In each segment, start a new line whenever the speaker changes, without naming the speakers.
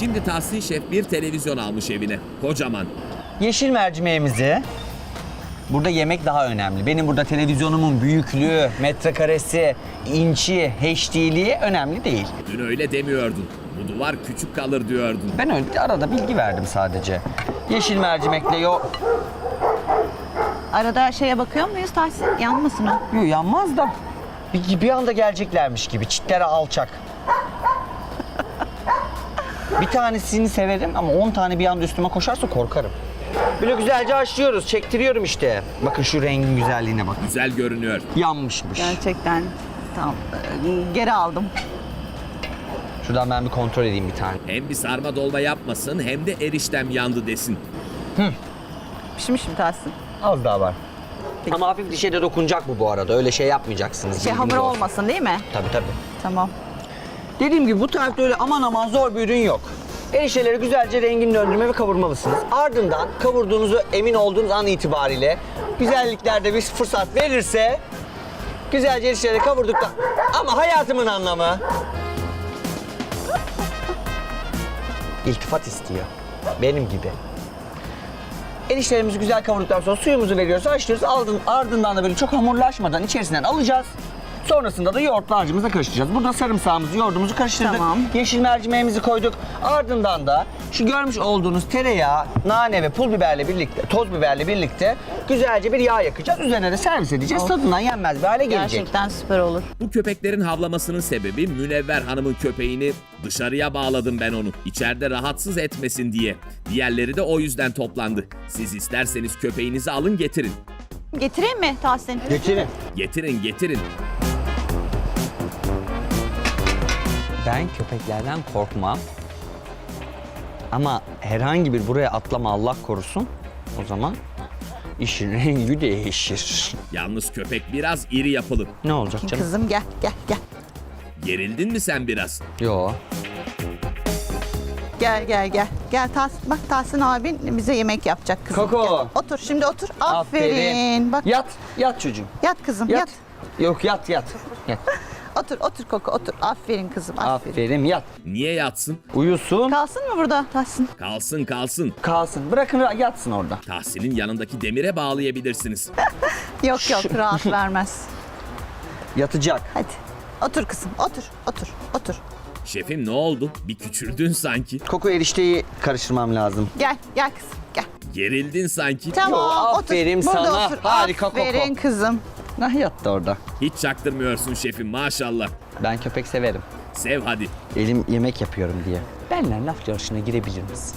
Şimdi Tahsin Şef bir televizyon almış evine. Kocaman.
Yeşil mercimeğimizi... Burada yemek daha önemli. Benim burada televizyonumun büyüklüğü, metrekaresi, inçi, HD'liği önemli değil.
Dün öyle demiyordun. Bu duvar küçük kalır diyordun.
Ben öyle arada bilgi verdim sadece. Yeşil mercimekle
Arada şeye bakıyor muyuz Tahsin? Yanmasın o.
Yok yanmaz da. Bir anda geleceklermiş gibi. Çitlere alçak. Bir tanesini severim ama 10 tane bir anda üstüme koşarsa korkarım. Böyle güzelce haşlıyoruz. Çektiriyorum işte. Bakın şu rengin güzelliğine bak.
Güzel görünüyor.
Yanmışmış.
Gerçekten. Tamam. Geri aldım.
Şuradan ben bir kontrol edeyim bir tane.
Hem bir sarma dolma yapmasın hem de eriştem yandı desin.
Pişmişim Tahsin.
Az daha var. Ama hafif dişe de dokunacak bu arada. Öyle şey yapmayacaksınız.
Hamur
bilginiz olsun.
olmasın değil mi?
Tabii.
Tamam.
Dediğim gibi bu tarifte öyle aman zor bir ürün yok. Erişteleri güzelce rengini döndürme ve kavurmalısınız. Ardından kavurduğunuzu emin olduğunuz an itibariyle güzelliklerde bir fırsat verirse güzelce erişteleri kavurduktan... Ama hayatımın anlamı... İltifat istiyor. Benim gibi. Eriştelerimizi güzel kavurduktan sonra suyumuzu veriyoruz, haşlıyoruz. Ardından da böyle çok hamurlaşmadan içerisinden alacağız. Sonrasında da yoğurtlu harcımıza karıştıracağız. Burada sarımsağımızı, yoğurdumuzu karıştırdık.
Tamam.
Yeşil mercimeğimizi koyduk. Ardından da şu görmüş olduğunuz tereyağı, nane ve pul biberle birlikte, toz biberle birlikte güzelce bir yağ yakacağız. Üzerine de servis edeceğiz. Tadından yenmez bir hale gelecek.
Gerçekten süper olur.
Bu köpeklerin havlamasının sebebi Münevver Hanım'ın köpeğini dışarıya bağladım ben onu. İçeride rahatsız etmesin diye. Diğerleri de o yüzden toplandı. Siz isterseniz köpeğinizi alın getirin.
Getireyim mi Tahsin?
Getirin.
Getirin.
Ben köpeklerden korkmam. Ama herhangi bir buraya atlama Allah korusun. O zaman işin rengi değişir.
Yalnız köpek biraz iri yapılı.
Ne olacak canım?
Kızım gel.
Gerildin mi sen biraz?
Yo.
Gel Tahsin. Bak Tahsin abin bize yemek yapacak kızım.
Koko.
Gel. Otur şimdi otur. Aferin. Bak
Yat çocuğum.
yat kızım yat.
Yok yat.
Otur Koko otur. Aferin kızım aferin.
Aferin yat.
Niye yatsın?
Uyusun.
Kalsın mı burada Tahsin?
Kalsın.
Kalsın. Bırakın yatsın orada.
Tahsin'in yanındaki demire bağlayabilirsiniz.
Yok rahat vermez.
Yatacak.
Hadi. Otur kızım otur.
Şefim ne oldu? Bir küçüldün sanki.
Koko erişteyi karıştırmam lazım.
Gel kızım gel.
Gerildin sanki.
Tamam
Yo,
otur.
aferin
Burada
sana.
otur.
Harika Koko.
Aferin kızım.
Nah yattı orada.
Hiç çaktırmıyorsun şefim maşallah.
Ben köpek severim.
Sev hadi.
Elim yemek yapıyorum diye. Benle laf yarışına girebilir misin?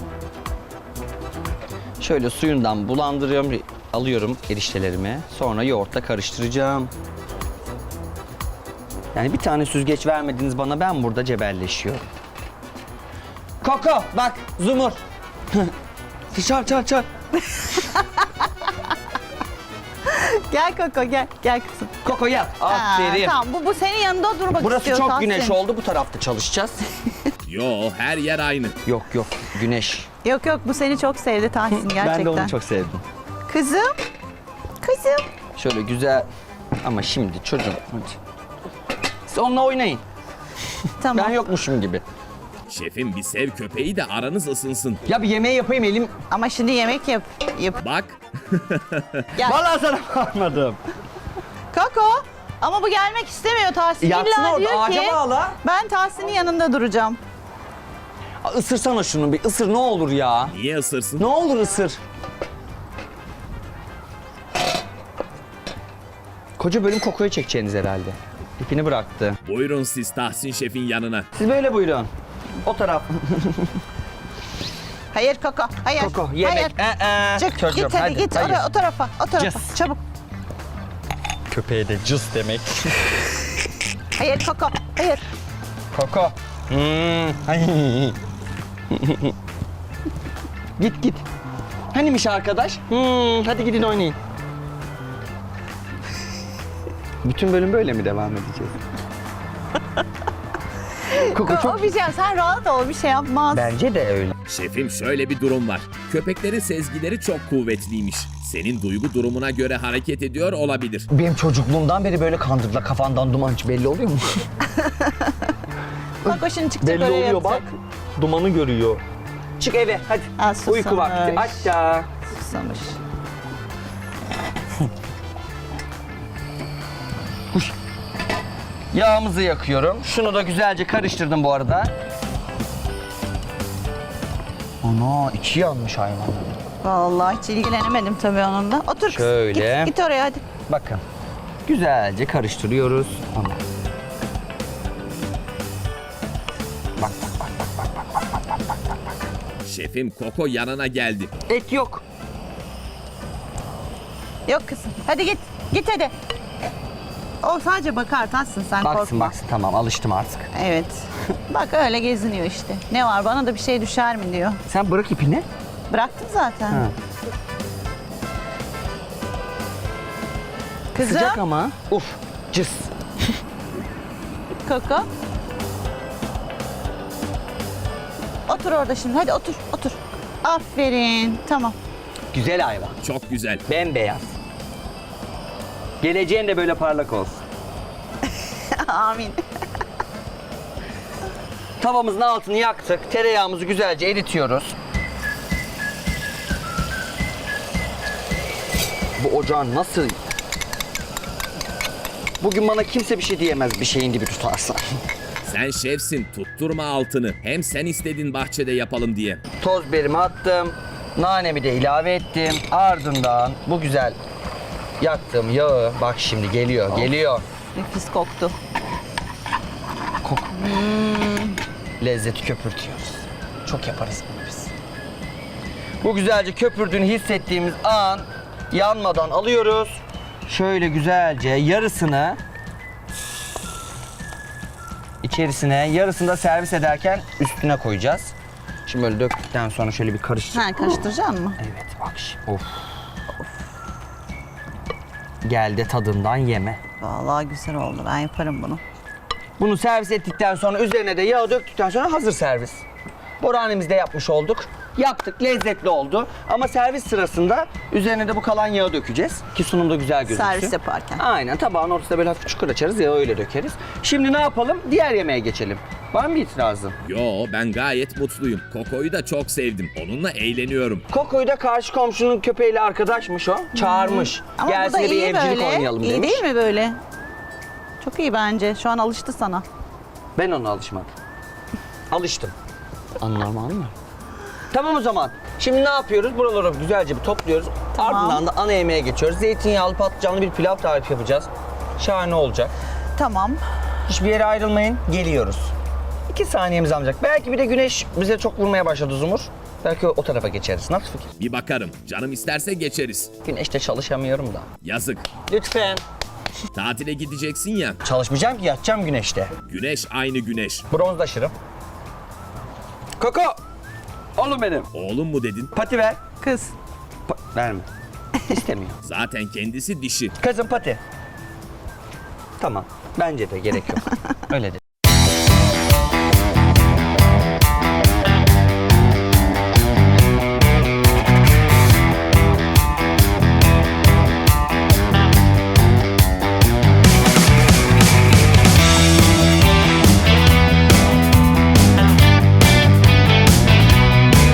Şöyle suyundan bulandırıyorum, alıyorum eriştelerimi. Sonra yoğurtla karıştıracağım. Yani bir tane süzgeç vermediniz bana, ben burada cebelleşiyorum. Koko bak Zumur. Çal.
Gel Koko gel kızım.
Koko yat. Aferin.
Tamam bu senin yanında durmak
Burası
istiyor
çok
Tahsin.
güneş oldu, bu tarafta çalışacağız.
Yo her yer aynı.
Yok güneş.
Yok bu seni çok sevdi Tahsin gerçekten.
Ben de onu çok sevdim.
Kızım.
Şöyle güzel ama şimdi çocuğum hadi. Siz onunla oynayın.
Tamam.
Ben yokmuşum gibi.
Şefim bir sev köpeği de aranız ısınsın.
Ya bir yemeği yapayım elim.
Ama şimdi yemek yap.
Bak
Gel.
Vallahi sana varmadım.
Koko. Ama bu gelmek istemiyor Tahsin.
Yatsın
İlla
orada,
diyor
ağaca
ki
bağla.
ben Tahsin'in yanında duracağım.
Isırsana şunu bir, ısır ne olur ya.
niye ısırsın?
Ne olur ısır. Koca bölüm Koko'yu çekeceğiniz herhalde. İpini bıraktı.
Buyurun siz Tahsin Şef'in yanına.
Siz böyle buyurun. O taraf.
Hayır Koko. Hayır.
Koko yemek.
Hayır. Çık
Çocuğum,
git hadi git
hayır.
o tarafa.
Cız.
Çabuk.
Köpeğe de cız demek.
Hayır Koko. Hayır.
Koko. Git. Hanimiş arkadaş? Hadi gidin oynayın. Bütün bölüm böyle mi devam edeceğiz? Koko çok...
O bir şey sen rahat ol bir şey yapmaz.
Bence de öyle.
Şefim şöyle bir durum var. Köpeklerin sezgileri çok kuvvetliymiş. Senin duygu durumuna göre hareket ediyor olabilir.
Benim çocukluğumdan beri böyle kandırdılar. Kafandan duman belli oluyor mu?
Bak o şimdi çıkacak
belli
öyle
oluyor
yapacak.
bak. dumanı görüyor. Çık eve hadi.
Ha, susamış.
Uyku vakti. Aşağı.
Susamış.
Yağımızı yakıyorum. Şunu da güzelce karıştırdım bu arada. Ana içi yanmış hayvan.
Vallahi hiç ilgilenemedim tabii onunla. Otur kız.
Şöyle.
Git oraya hadi.
Bakın. Güzelce karıştırıyoruz. Ana. Bak bak bak.
Şefim Koko yanına geldi.
Et yok.
Yok kızım. Hadi git. Git hadi. O sadece bakar Tahsin, sen
Baksın
korkma.
baksın tamam alıştım artık.
Evet. Bak öyle geziniyor işte. Ne var, bana da bir şey düşer mi diyor.
Sen bırak ipini.
Bıraktım zaten.
Ha.
Kızım.
Sıcak ama. Uf. Cız.
Koko. Otur orada şimdi. Hadi otur, otur. Aferin. Tamam.
Güzel hayvan.
Çok güzel.
Bembeyaz. Geleceğin de böyle parlak olsun.
Amin.
Tavamızın altını yaktık. Tereyağımızı güzelce eritiyoruz. Bu ocağın nasıl... Bugün bana kimse bir şey diyemez bir şeyin dibi tutarsa.
Sen şefsin, tutturma altını. Hem sen istedin bahçede yapalım diye.
Toz biberimi attım. Nanemi de ilave ettim. Ardından bu güzel yaktığım yağı bak şimdi geliyor, geliyor.
Nefis koktu.
Lezzeti köpürtüyoruz. Çok yaparız bunu biz. Bu güzelce köpürdüğünü hissettiğimiz an yanmadan alıyoruz. Şöyle güzelce yarısını içerisine, yarısını da servis ederken üstüne koyacağız. Şimdi böyle döktükten sonra şöyle bir karıştır.
Ha, karıştıracaksın mı?
Evet bak şimdi. Of. Gel de tadından yeme.
Vallahi güzel oldu. Ben yaparım bunu.
Bunu servis ettikten sonra üzerine de yağ döktükten sonra hazır servis. Boranemizde yapmış olduk. Yaptık, lezzetli oldu. Ama servis sırasında üzerine de bu kalan yağı dökeceğiz. Ki sunumda güzel gözüksün.
Servis yaparken.
Aynen, tabağın ortasına böyle hafif çukur açarız, yağı öyle dökeriz. Şimdi ne yapalım? Diğer yemeğe geçelim. Var mı itirazın?
Yo, ben gayet mutluyum. Koko'yu da çok sevdim. Onunla eğleniyorum.
Koko'yu da karşı komşunun köpeğiyle arkadaşmış o. Çağırmış.
Ama
Gelsin
bu da
de bir
iyi
evcilik
böyle.
oynayalım
İyi
demiş.
değil mi böyle? Çok iyi bence. Şu an alıştı sana.
Ben ona alışmadım. Alıştım. Anormal mı? Tamam o zaman. Şimdi ne yapıyoruz? Buraları güzelce bir topluyoruz.
Tamam.
Ardından da ana yemeğe geçiyoruz. Zeytinyağlı patlıcanlı bir pilav tarifi yapacağız. Şahane olacak.
Tamam.
Hiçbir yere ayrılmayın. Geliyoruz. 2 saniyemiz alacak. Belki bir de güneş bize çok vurmaya başladı Zumur. Belki o tarafa geçeriz. Nasıl fikir?
Bir bakarım. Canım isterse geçeriz.
Güneşte çalışamıyorum da.
Yazık.
Lütfen.
Tatile gideceksin ya.
Çalışmayacağım ki yatacağım güneşte.
Güneş aynı güneş.
Bronzlaşırım. Koko! Oğlum benim.
Oğlum mu dedin?
Pati ver.
Kız.
Verme. İstemiyor.
Zaten kendisi dişi.
Kızım pati. Tamam. Bence de gerek yok. Öyle de.